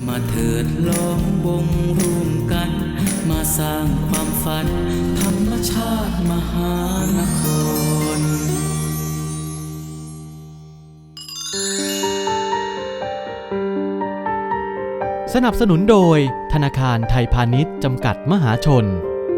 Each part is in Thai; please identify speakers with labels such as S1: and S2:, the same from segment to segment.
S1: มาเถิดล้อมวงร่วมกันมาสร้างความฝันธรรมชาติมหานคร
S2: สนับสนุนโดยธนาคารไทยพาณิชย์จำกัดมหาชน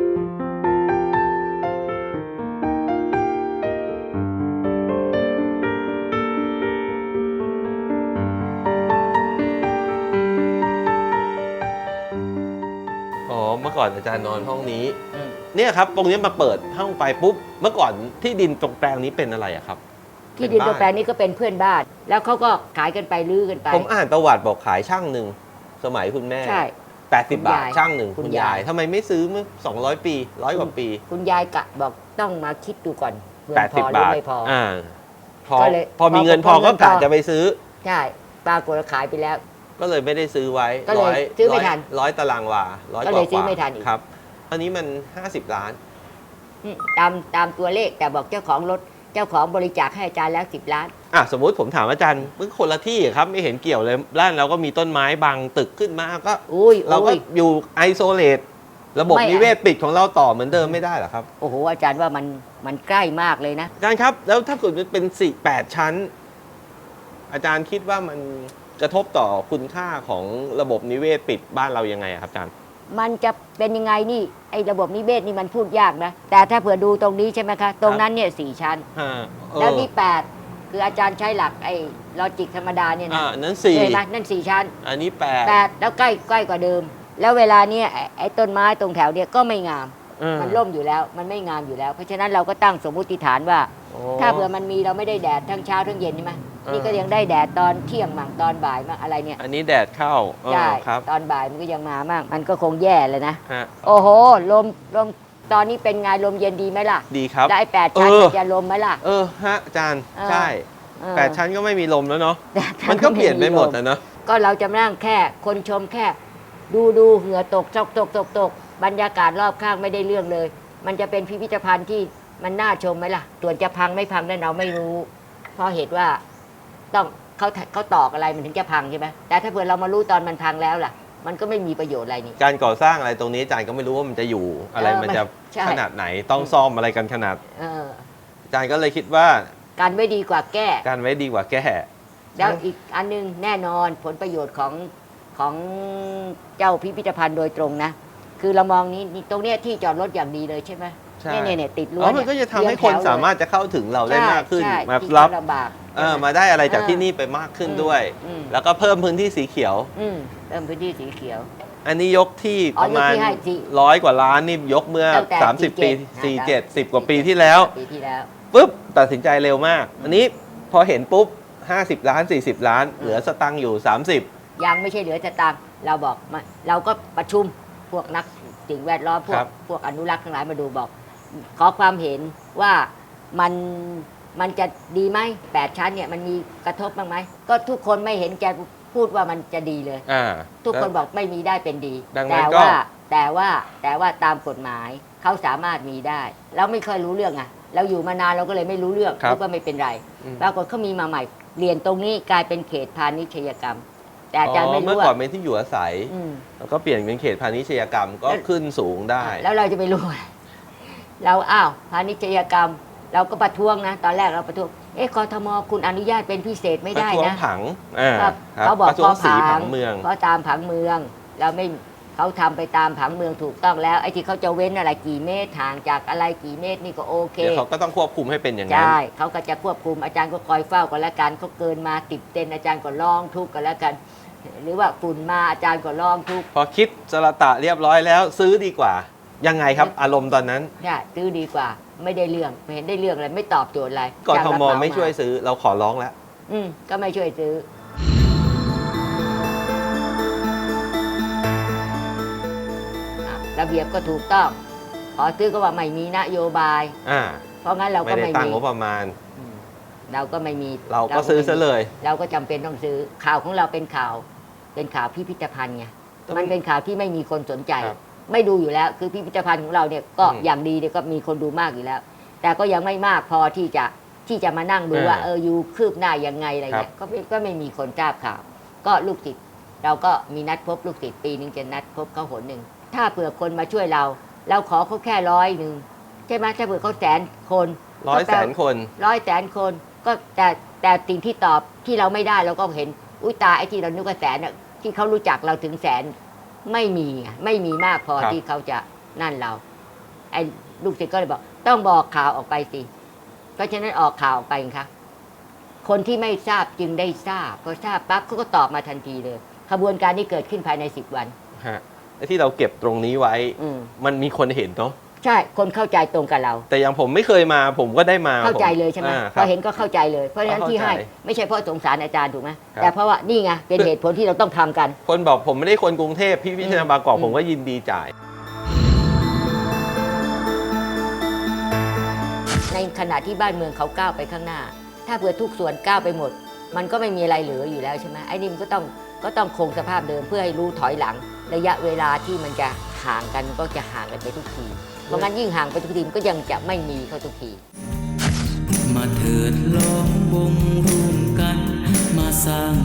S3: เมื่อก่อนอาจารย์นอนห้องนี้เนี่ยครับตรงนี้มาเปิดห้องไปปุ๊บเมื่อก่อนที่ดินตรงแปลงนี้เป็นอะไรอะครับ
S4: ที่ดินตรงแปลงนี้ก็เป็นเพื่อนบ้านแล้วเขาก็ขายกันไปลื้อกันไป
S3: ผมอ่านประวัติบอกขายช่างหนึ่งสมัยคุณแม่
S4: ใช่
S3: 80 บาทช่างหนึ่งคุณยายทำไมไม่ซื้อเมื่อ200 ปี100 กว่าปี
S4: คุณยายกะบอกต้องมาคิดดูก่อน
S3: 80 บาท
S4: ไม่พอ
S3: พอมีเงินพอก็กะจะไปซื้อ
S4: ใช่ปรากฏขายไปแล้ว
S3: ก็เลยไม่ได้ซื้อไว้
S4: ก็เลยซื้อไม่ทัน
S3: 100 ตารางวา100
S4: ก็เลยซื้อไม่ทันอีก
S3: ครับตอนนี้มัน50 ล้าน
S4: ตามตัวเลขแต่บอกเจ้าของรถเจ้าของบริจาคให้อาจารย์แล้ว10 ล้าน
S3: สมมุติผมถามอาจารย์มันคนละที่ครับไม่เห็นเกี่ยวเลยร้านเราก็มีต้นไม้บังตึกขึ้นมาก็เราก็อยู่ไอโซเลตระบบนิเวศปิดของเราต่อเหมือนเดิมไม่ได้หรอครับ
S4: โอ้โหอาจารย์ว่ามันใกล้มากเลยนะ
S3: อาจารย์ครับแล้วถ้าเกิดมันเป็น8 ชั้นอาจารย์คิดว่ามันกระทบต่อคุณค่าของระบบนิเวศปิดบ้านเรายังไงครับอาจารย์
S4: มันจะเป็นยังไงนี่ไอ้ระบบนิเวศนี่มันพูดยากนะแต่ถ้าเผื่อดูตรงนี้ใช่ไหมคะตรงนั้นเนี่ย4 ชั้นแล้วนี่8คืออาจารย์ใช้หลักไอ้ลอจิกธรรมดาเนี่ยนะ
S3: นั้น4
S4: เห็นไหมนั่น4 ชั้น
S3: อันนี้
S4: 8แล้วใกล้กว่าเดิมแล้วเวลาเนี้ยไอ้ต้นไม้ตรงแถวเนี่ยก็ไม่งามมันร่มอยู่แล้วมันไม่งามอยู่แล้วเพราะฉะนั้นเราก็ตั้งสมมุติฐานว่าถ้าเผื่อมันมีเราไม่ได้แดดทั้งเช้าทั้งเย็นใช่ไหมนี่ก็ยังได้แดดตอนเที่ยงมั่งตอนบ่ายมั่งอะไรเนี่ย
S3: อันนี้แดดเข้า
S4: ใช่
S3: ครับ
S4: ตอนบ่ายมันก็ยังมามั่งมันก็คงแย่เลยนะโอ้โหลมตอนนี้เป็นไงลมเย็นดีไหมล่ะ
S3: ดีครับ
S4: ได้8 ชั้นจะลมไหมล่ะ
S3: ฮะอาจารย์ใช่8 ชั้นก็ไม่มีลมแล้วเนาะมันก็เปลี่ยนไปหมดนะเนาะ
S4: ก็เราจะนั่งแค่คนชมแค่ดูเหงื่อตกบรรยากาศรอบข้างไม่ได้เรื่องเลยมันจะเป็นพิพิธภัณฑ์ที่มันน่าชมไหมล่ะส่วนจะพังไม่พังนั่นเราไม่รู้เพราะเหตุว่าต้องเขาตอกอะไรมันถึงจะพังใช่ไหมแต่ถ้าเผื่อเรามารู้ตอนมันพังแล้วล่ะมันก็ไม่มีประโยชน์อะไรนี่
S3: การก่อสร้างอะไรตรงนี้อาจารย์ก็ไม่รู้ว่ามันจะอยู่อะไรมันจะขนาดไหนต้องซ่อมอะไรกันขนาดอาจารย์ก็เลยคิดว่า
S4: การไว้ดีกว่าแก้
S3: การไว้ดีกว่าแก้
S4: แล้วอีกอันนึงแน่นอนผลประโยชน์ของเจ้าพิพิธภัณฑ์โดยตรงนะคือเรามองนี้ตรงเนี้ยที่จอดรถอย่างดีเลยใช่ไหมเนี่ยติดรั้ว
S3: มันก็จะทำให้คนสามารถจะเข้าถึงเราได้มากขึ้นมารับมาได้อะไรจากที่นี่ไปมากขึ้นด้วยแล้วก็เพิ่มพื้นที่สีเขียว
S4: เพิ่มพื้นที่สีเขียว
S3: อันนี้ยกที่ประมาณ100 กว่าล้านนี่ยกเมื่อ30 ปี47 10 กว่าปีที่แล้วปุ๊บตัดสินใจเร็วมากอันนี้พอเห็นปุ๊บ50 ล้าน40 ล้านเหลือสตังค์อยู่30
S4: ยังไม่ใช่เหลือสตังค์เราบอกเราก็ประชุมพวกนักสิ่งแวดล้อมพวกอนุรักษ์ทั้งหลายมาดูบอกขอความเห็นว่ามันจะดีไหม8 ชั้นเนี่ยมันมีกระทบบ้างไหมก็ทุกคนไม่เห็นแกพูดว่ามันจะดีเลยทุกคนบอกไม่มีได้เป็นดีแต่ว่าตามกฎหมายเขาสามารถมีได้เราไม่เคยรู้เรื่องเราอยู่มานานเราก็เลยไม่รู้เรื่องคิดว่าไม่เป็นไรปรากฏเขามีมาใหม่เปลี่ยนตรงนี้กลายเป็นเขตพาณิชยกรรมแต่อาจารย์ไม่รู้ว่า
S3: เมื่อก่อนเป็นที่อยู่อาศัยแล้วก็เปลี่ยนเป็นเขตพาณิชยกรรมก็ขึ้นสูงได้
S4: แล้วเราจะไปรู้เราพาณิชยกรรมเราก็ประท้วงนะตอนแรกเราประท้วงกทมคุณอนุญาตเป็นพิเศษไม่ได้นะ
S3: ผัง
S4: เขาบอก
S3: เพราะผังเมือง
S4: เพราะตามผังเมืองเราไม่เขาทำไปตามผังเมืองถูกต้องแล้วไอ้ที่เขาจะเว้นอะไรกี่เมตรห่างจากอะไรกี่เมตรนี่ก็โอเค
S3: เดี๋ยวเขาก็ต้องควบคุมให้เป็นอย่างนั้น
S4: ใช่เขาก็จะควบคุมอาจารย์ก็คอยเฝ้ากันแล้วกันเขาเกินมาติดเต็นอาจารย์ก็ร้องทุกข์กันแล้วกันหรือว่าฝุ่นมาอาจารย์ก็ร้องทุกข์
S3: พอคิดสละตะเรียบร้อยแล้วซื้อดีกว่ายังไงครับอารมณ์ตอนนั้น
S4: ใช่ซื้อดีกว่าไม่ได้เรื่องไม่เห็นได้เรื่องอะไรไม่ตอบโจทย์อะไร
S3: กทมไม่ช่วยซื้อเราขอร้องแล้ว
S4: ก็ไม่ช่วยซื้อระเบียบก็ถูกต้องขอซื้อก็ว่าไม่มีนโยบายเพราะงั้นเราก็ไม่
S3: ได้ตั้งงบประมาณ
S4: เราก็ไม่มี
S3: เราก็ซื้อซะเลย
S4: เราก็จำเป็นต้องซื้อข่าวของเราเป็นข่าวพิพิธภัณฑ์ไงมันเป็นข่าวที่ไม่มีคนสนใจไม่ดูอยู่แล้วคือพิพิธภัณฑ์ของเราเนี่ยก็อย่างดีเนี่ยก็มีคนดูมากอยู่แล้วแต่ก็ยังไม่มากพอที่จะมานั่งดูว่าอยู่คืบหน้ายังไงอะไรเงี้ยก็ไม่มีคนทราบข่าวก็ลูกศิษย์เราก็มีนัดพบลูกศิษย์ปีนึงจะนัดพบเขาหนหนึ่งถ้าเผื่อคนมาช่วยเราขอเขาแค่100ใช่ไหมถ้าเผื่อเขา100,000 คน
S3: 100,000,000 คน
S4: 100,000,000 คนก็แต่สิ่งที่ตอบที่เราไม่ได้เราก็เห็นอุ้ยตาไอ้ที่เรานึกว่าแสนน่ะที่เขารู้จักเราถึงแสนไม่มีมากพอ
S3: ครับ
S4: ที่เขาจะนั่นเราไอ้ลูกศิษย์ก็เลยบอกต้องบอกข่าวออกไปสิเพราะฉะนั้นออกข่าวออกไปค่ะคนที่ไม่ทราบจึงได้ทราบพอทราบปั๊บเขาก็ตอบมาทันทีเลยขบวนการนี้เกิดขึ้นภายใน10 วัน
S3: ฮะไอ้ที่เราเก็บตรงนี้ไว้ มันมีคนเห็นเนาะ
S4: ใช่คนเข้าใจตรงกับเรา
S3: แต่อย่างผมไม่เคยมาผมก็ได้มา
S4: เข้าใจเลยใช่ไหม
S3: ค
S4: พ
S3: รั
S4: อบ เห็นก็เข้าใจเลยเพราะฉะนั้นที่ให้
S3: เข้าใจ
S4: ไม่ใช่เพราะสงสารอาจารย์ถูกไหม
S3: ครับ
S4: แต่เพราะว่านี่ไงเป็นเหตุผลที่เราต้องทำกัน
S3: คนบอกผมไม่ได้คนกรุงเทพพี่พิชนาบางกอกผมก็ยินดีจ่าย
S4: ในขณะที่บ้านเมืองเขาก้าวไปข้างหน้า ถ้าเผื่อทุกส่วนก้าวไปหมด มันก็ไม่มีอะไรเหลืออยู่แล้วใช่ไหมไอ้นี่มันก็ต้องคงสภาพเดิมเพื่อให้รู้ถอยหลัง ระยะเวลาที่มันจะห่างกันก็จะห่างกันไปทุกทีเพราะงั้นยิ่งห่างไปทุกทีมันก็ยังจะไม่มีเข้าทุกที
S1: มาเถิดล้อมวงร่วมกัน มาสร้าง